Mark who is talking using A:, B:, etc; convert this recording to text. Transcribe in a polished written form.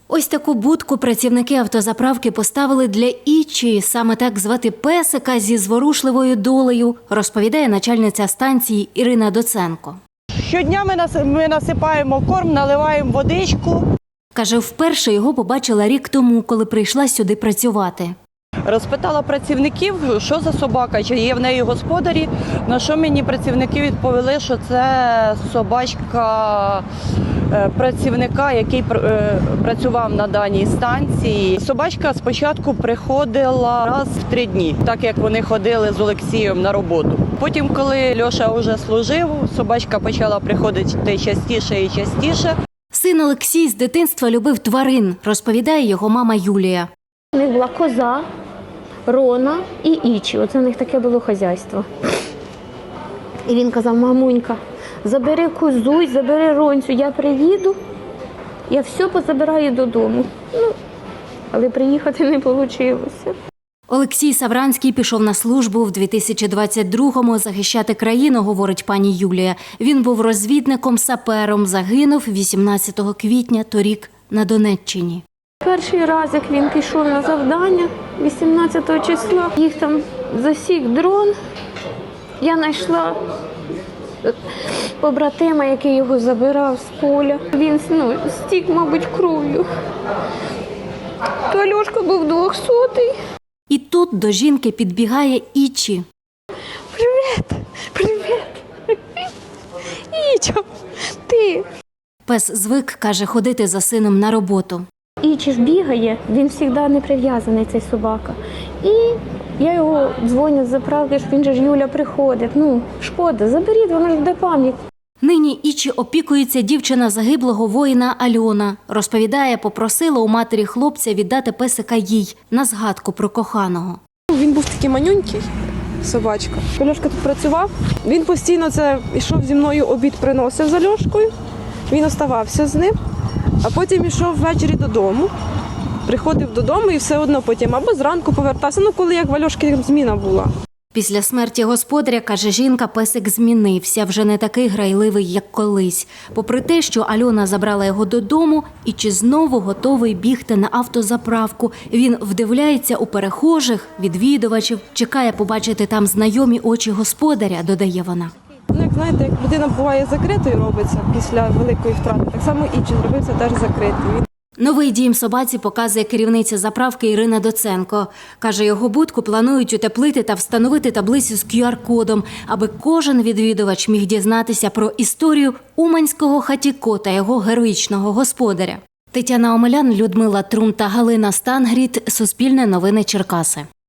A: Ось таку будку працівники автозаправки поставили для Ічі. Саме так звати песика зі зворушливою долею, розповідає начальниця станції Ірина Доценко.
B: Щодня ми насипаємо корм, наливаємо водичку.
A: Каже, вперше його побачила рік тому, коли прийшла сюди працювати.
B: Розпитала працівників, що за собака, чи є в неї господарі. На що мені працівники відповіли, що це собачка працівника, який працював на даній станції. Собачка спочатку приходила раз в 3 дні, так як вони ходили з Олексієм на роботу. Потім, коли Льоша вже служив, собачка почала приходити частіше і частіше.
A: Син Олексій з дитинства любив тварин, розповідає його мама Юлія.
C: У них була коза, Рона і Ічі. Оце в них таке було хазяйство. І він казав: мамунька, забери козу, забери Ронцю, я приїду, я все позабираю додому. Але приїхати не вийшло.
A: Олексій Савранський пішов на службу в 2022-му захищати країну, говорить пані Юлія. Він був розвідником-сапером, загинув 18 квітня торік на Донеччині.
C: Перший раз, як він пішов на завдання, 18 числа, їх там засік дрон. Я знайшла побратима, який його забирав з поля. Він стік, мабуть, кров'ю. То Альошка був 200-й.
A: І тут до жінки підбігає Ічі.
C: Привіт! Привіт! Ічо, ти!
A: Пес звик, каже, ходити за сином на роботу.
C: Ічі ж бігає, він завжди не прив'язаний, цей собака. І я його дзвоню з заправки, що він же ж, Юля, приходить. Шкода, заберіть, воно ж буде пам'ять.
A: Нині Ічі опікується дівчина загиблого воїна Альона. Розповідає, попросила у матері хлопця віддати песика їй на згадку про коханого.
D: Він був такий манюнький, собачка. Льошка тут працював, він постійно йшов зі мною, обід приносив за Льошкою, він оставався з ним, а потім йшов ввечері додому, приходив додому і все одно потім або зранку повертався, коли як в Альошки зміна була.
A: Після смерті господаря, каже жінка, песик змінився, вже не такий грайливий, як колись. Попри те, що Альона забрала його додому, Ічі знову готовий бігти на автозаправку. Він вдивляється у перехожих, відвідувачів, чекає побачити там знайомі очі господаря, додає вона.
D: Як знаєте, як людина буває закритою робиться після великої втрати, так само Ічі зробився теж закритий.
A: Новий дім собаці показує керівниця заправки Ірина Доценко. Каже, його будку планують утеплити та встановити таблицю з QR-кодом, аби кожен відвідувач міг дізнатися про історію уманського хатіко та його героїчного господаря. Тетяна Омелян, Людмила Трум та Галина Стангріт. Суспільне новини Черкаси.